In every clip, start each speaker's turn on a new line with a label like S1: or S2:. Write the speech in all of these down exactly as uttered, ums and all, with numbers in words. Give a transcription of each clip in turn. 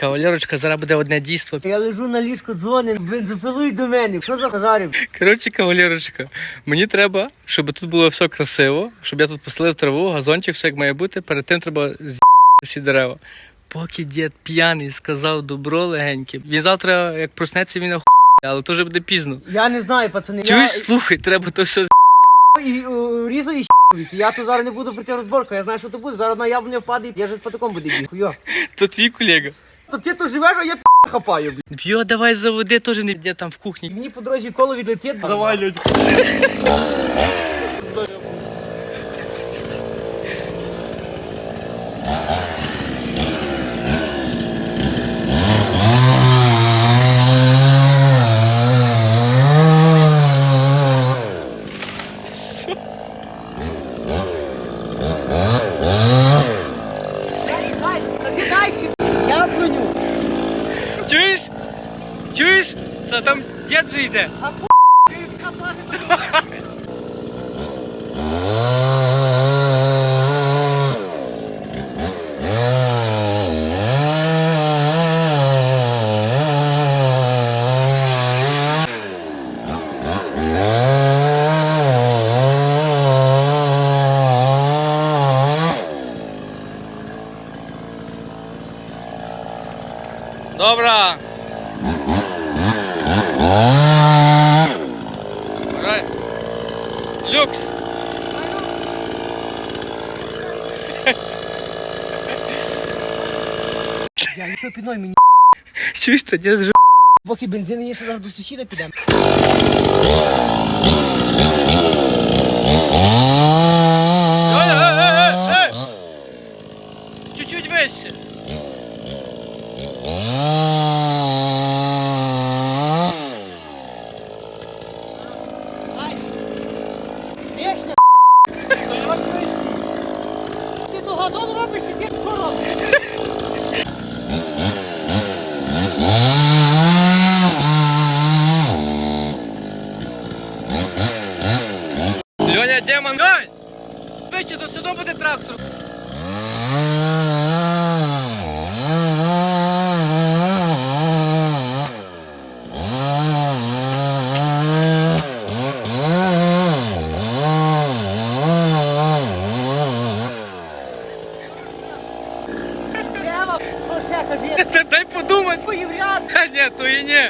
S1: Кавалерочка, зараз буде одне дійство.
S2: Я лежу на ліжку, дзвонить, бензопилуй до мене. Що за хазарів?
S1: Коротше, кавалерочка, мені треба, щоб тут було все красиво, щоб я тут постелив траву, газончик, все як має бути. Перед тим треба з***ти всі дерева. Поки дід п'яний сказав добро легеньке. Він завтра, як проснеться, він охує, але то вже буде пізно.
S2: Я не знаю, пацани.
S1: Чуєш,
S2: Я...
S1: слухай, треба то все з***.
S2: І о, різав і щ***віці. Я тут зараз не буду прийти розборку, я знаю, що то буде. Зараз на яблуня впаде, я вже з патиком буду бігти. Йо.
S1: То твій колега.
S2: То ти тут живеш, а я п*** хапаю, блін.
S1: Йо, давай заводи, теж не б'є там в кухні.
S2: Мені по дорозі коло відлетить.
S1: Давай, людь.
S2: Яблуню.
S1: Чуєш? Чуєш? Та там дід же йде.
S2: А п***, ти капати.
S1: Добра. Right. Люкс.
S2: Я нічого підной мені.
S1: Чуєш, це дід же.
S2: Поки бензин є, ще зараз до сусіда підемо.
S1: Ей, ей, ей, ей, ей. Чуть-чуть вище.
S2: Вічно. Ти то газон робиш, чи ти що робиш?
S1: Льоня, демон, ой! Вище, то все одно буде трактор.
S2: Прямо, що ще кажи?
S1: Та дай подумати.
S2: Поєвряд.
S1: Ха, ні, то і ні.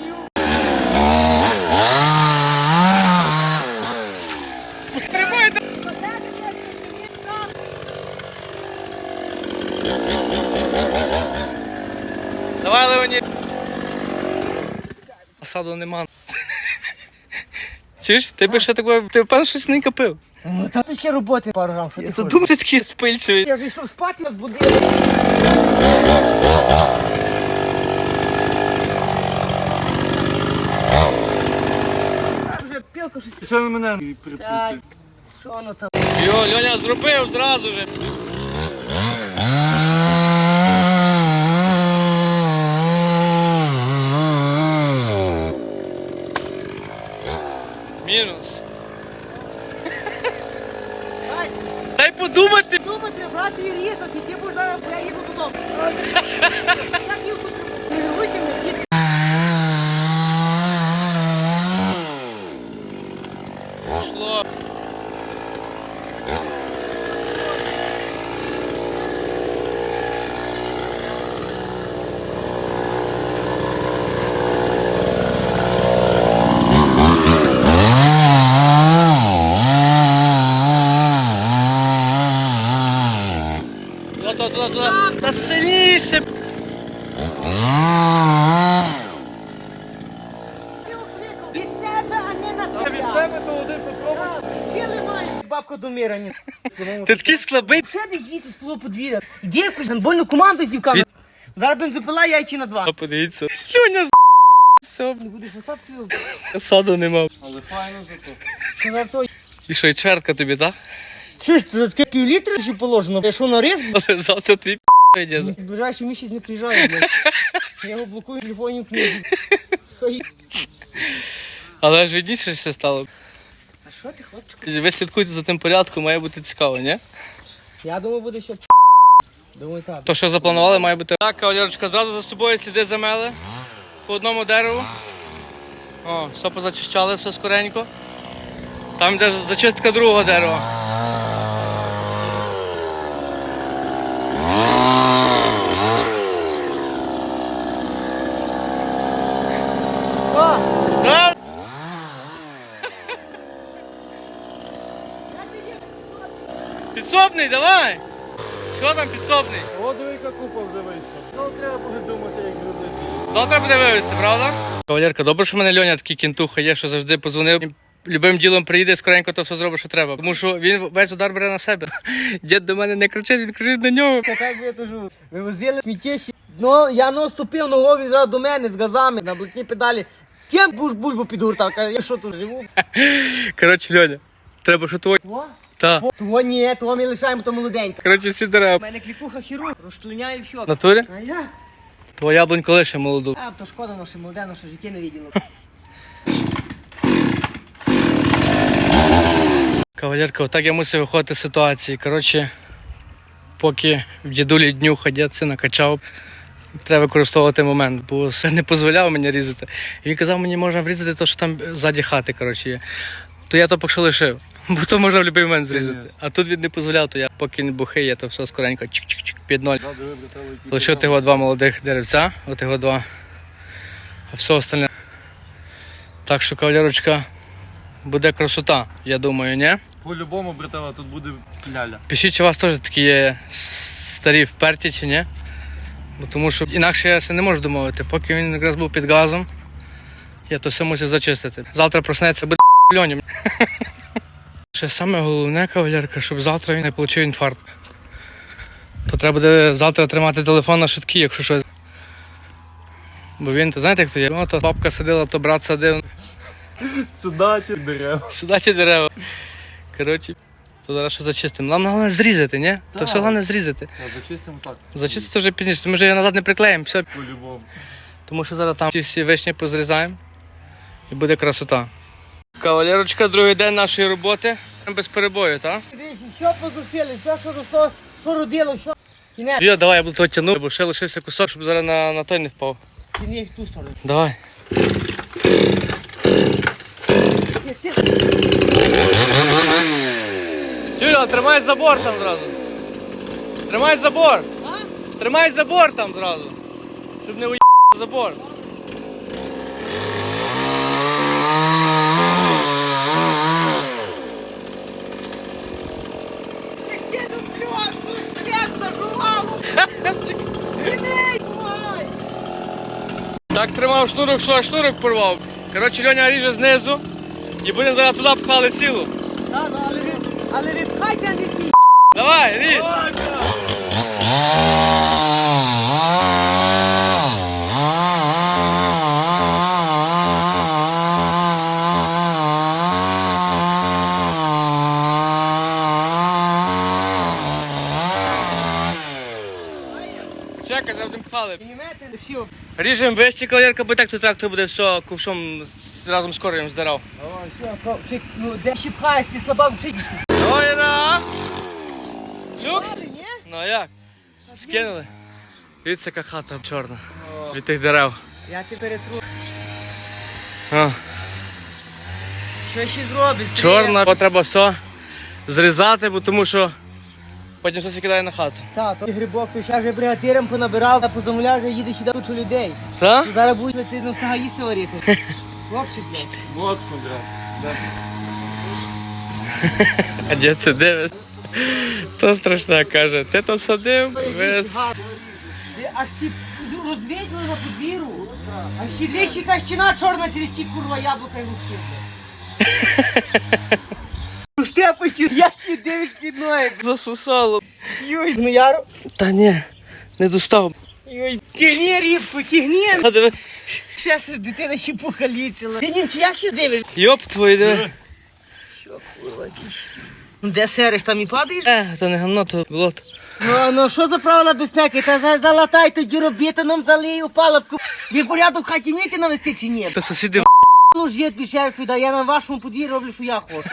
S1: Тримай, да. Давай, Леонід. Осаду нема. Чуєш, ти би ще такое, ти певно щось не копив.
S2: Ну та ще роботи пару грам, що ти
S1: Я
S2: хочеш?
S1: думаю, ти такий спильчивий.
S2: Я вже йшов спати, я збудив. Вже пілка щось.
S3: Що ви мене
S2: Ай,
S3: припустите?
S2: що воно там?
S1: Йо, Льоня зробив зразу же. Мінус.
S2: Ай,
S1: Дай подумати.
S2: думати, брати і різати, ти будеш зараз, бо я їду додому. Я їду, не витягни, їду.
S1: Пішло. Туди, туди, туди. Та сильніше.
S2: Від себе, а не на себе.
S3: Від себе то один попробуй.
S2: Сіли маєш, бабка до мира. ні.
S1: Ти такий слабий.
S2: Ще десь звідси з твого подвір'я. Іди якусь гандбольну команду з дівками. Зараз бензопила яйчі на два.
S1: А подивіться. Льоня з***. Все,
S2: Не будеш висати свою.
S1: саду нема.
S3: Але файно зато.
S2: Що за той?
S1: І що, і чверка тобі, так?
S2: Що ж, це таке пів літра ще положено? Я що на рис?
S1: Але завтра твій п***й діда.
S2: В ближайший місяць не приїжджає, блядь. Я його блокую в телефоні в книзі. Хай.
S1: Але ж відніше все стало.
S2: А що ти, хлопчик?
S1: Ви слідкуйте за тим порядком, має бути цікаво, ні?
S2: Я думаю, буде ще. Думаю, так.
S1: То, що запланували, має бути. Так, кавалерочка, зразу за собою сліди замели по одному дереву. О, все позачищали, все скоренько. Там йде зачистка другого дерева.
S2: О!
S1: Так? Підсобний, давай! Що там підсобний?
S3: О, диви, яка купа вже вийшла. Ну, треба буде думати, як грузити.
S1: Завтра буде вивезти, правда? Кавалерка, добре, що в мене Льоня такий кінтуха є, що завжди позвонив. Любим ділом приїде, скоренько то все зробить, що треба. Тому що він весь удар бере на себе. Дід до мене не кричить, він кричить на нього.
S2: Та так би я кажу. Вивозили сміттєші. Ну, я наступив ногою зразу до мене з газами на блатні педалі. Ким будеш бульбу підгуртав? Каже, я що тут живу?
S1: Коротше, Льоня, треба що твоє.
S2: О,
S1: Та.
S2: того ні, того ми лишаємо, то молоденько.
S1: Коротше, всі
S2: У
S1: дерева.
S2: мене клікуха хірург, розчленяє все.
S1: В натурі?
S2: А я?
S1: Твоя яблунько лише молоду.
S2: А, то шкода, но ще молоде, но ще життя не виділо.
S1: Кавалерка, отак я мусив виходити з ситуації. Коротше, поки в дідулі днюха дід сина качав, треба використовувати момент, бо син не дозволяв мені різати. І він казав, мені можна врізати те, що там ззаді хати, коротше, є. То я то поки що лишив, бо то можна в будь-який момент зрізати. А тут він не дозволяв, то я поки не бухий, я то все скоренько чик-чик-чик під ноль.
S3: Да, диви, брателло, який
S1: Лишив
S3: ти
S1: тих два молодих деревця, от його два, а все остальне. Так що, кавалерочка, буде красота, я думаю, ні?
S3: По-любому, брателло, тут буде ляля.
S1: Пишіть, чи у вас теж такі є старі вперті чи ні? Бо тому що інакше я це не можу домовити. Поки він якраз був під газом, я то все мусив зачистити. Завтра проснеться, буде льоні. Ще саме головне, кавалерка, щоб завтра він не отримав інфаркт. То треба буде завтра тримати телефон на швидкій, якщо щось. Бо він, то знаєте, як то є? Ну, то бабка сидила, то брат садив.
S3: Сюди ті дерева.
S1: Сюди ті дерева. Коротше, то зараз що зачистимо. Нам головне зрізати, ні? То все головне зрізати.
S3: А зачистимо так.
S1: Зачистити вже пізніше, ми вже його назад не приклеїмо, все.
S3: По-любому.
S1: Тому що зараз там ті всі вишні позрізаємо і буде красота. Кавалерочка, другий день нашої роботи. Без перебою, так?
S2: Дивись, що позасили, що, що росто, що родило, що? Кінець,
S1: Йо, давай, я буду то тягнути, бо ще лишився кусок, щоб зараз на, на той не впав.
S2: кінець в ту сторону.
S1: Давай.
S2: Ти, ти,
S1: Юля, тримай забор там зразу. Тримай забор.
S2: а?
S1: Тримай забор там зразу. Щоб не уїхав забор.
S2: Ти ще до пляшку, як зажував! Кінець, давай!
S1: Так тримав шнурок, що аж шнурок порвав. Коротше, Льоня ріже знизу і будемо зараз туди пхали цілу.
S2: Та, ну, але ви, але ви пхайте, а не пі***.
S1: Давай, ріж. Чекай, завжди пхали.
S2: Піднімете, лишив.
S1: Ріжемо вище, кавалерка, бо так то трактор буде все ковшом з- разом з кореєм здирав.
S2: О, що, ковчик, ну де ще пхаєш, ти слабак в пшениці.
S1: Ой, на! Люкс?
S2: Ні?
S1: Ну а як? Скинули. Дивіться, яка хата чорна від тих дерев.
S2: Я тебе перетру.
S1: О,
S2: Що ще зробиш?
S1: чорна, бо треба все зрізати, бо тому що потім все кидає на хату.
S2: Та, то грибок, то ще вже бригадиром понабирав, а позамовляв, вже їде сюди кучу людей.
S1: Та?
S2: Зараз будуть ти на стага їсти варити. Хлопчик, блядь.
S3: Моцно, брат.
S1: А дід це дивись. То страшне, каже, ти то садив, весь.
S2: Ти аж ті розвідли на подвір'ю. А ще двічі кащина чорна через ті курва яблука і луски. Ну штепочі, я ще дивиш під ноги.
S1: Засусало.
S2: Йой, ну я...
S1: Та ні, не достав.
S2: Йой, тягни рібку, тягни.
S1: А диви.
S2: Ще се дитина ще покалічила. Ти німче, як ще дивиш?
S1: Йоп твої, диви.
S2: Що курва кіш? Ну де сереш, там і падаєш?
S1: Е, то не гамно, то болото.
S2: Ну, ну що за правила безпеки? Та за, залатай тоді робітином, залий у палубку. Ви порядок в хаті вмієте навести чи ні?
S1: То сусіди
S2: Ну ж є більше розповідає, я на вашому подвір'ї роблю, що я хочу.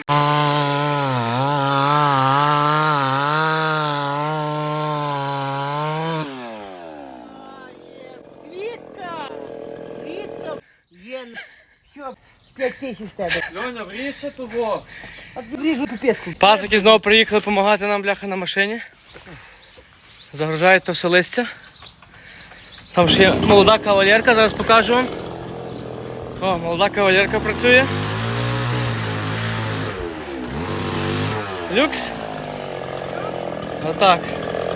S2: Рідка. Є. Що? П'ять тисяч з тебе.
S3: Льоня, вріжся того.
S2: А ріжу піпеску.
S1: Пасики знову приїхали допомагати нам, бляха, на машині. Загружають то все листя. Там ще є молода кавалерка, зараз покажу вам. О, молода кавалерка працює. Люкс. Отак.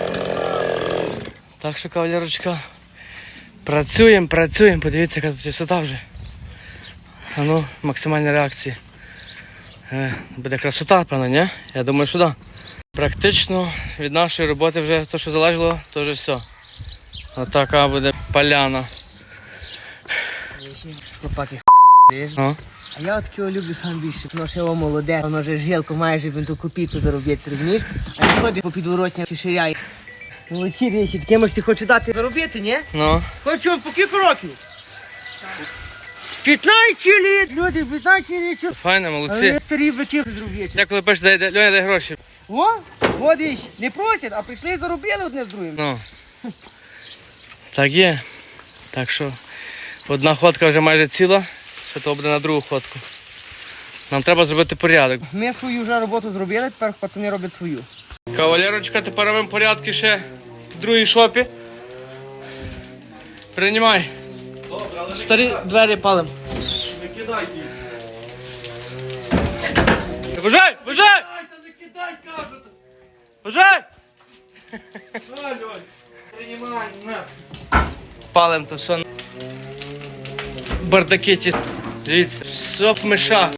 S1: Так що, кавалерочка, працюємо, працюємо. Подивіться, яка тут висота вже. А ну, максимальні реакції. Е, буде красота, певно, ні? Я думаю, що так. Практично від нашої роботи вже те, що залежало, то вже все. Отака буде поляна.
S2: Хлопаки, х**єш.
S1: О.
S2: А я от такого люблю сам більше. Воно ще його молоде, воно вже жилку має, щоб він ту копійку заробити, розумієш? А не ходить по підворотням чи ширяє. Ну, ці речі, таке можете хочу дати заробити, ні?
S1: Ну.
S2: Хочу по кілька років. п'ятнадцять літ, люди, п'ятнадцять літ.
S1: Файно,
S2: Але
S1: молодці.
S2: старі бики зробити.
S1: Я коли пишу, дай, дай, Льоня, дай гроші.
S2: О, ходиш, не просять, а прийшли і заробили одне з другим.
S1: Ну. Так є. Так що одна ходка вже майже ціла, що то буде на другу ходку. Нам треба зробити порядок.
S2: Ми свою вже роботу зробили, тепер пацани роблять свою.
S1: Кавалерочка, тепер робимо порядки ще в другій шопі. Приймай. Старі двері палим.
S3: Не кидайте їх.
S1: Вважай! Вважай!
S3: Не кидай, кажуть.
S1: Вважай!
S3: На, Льонь. Приймай, на.
S1: Палим то все. Бардаки ті. Дивіться, соп миша.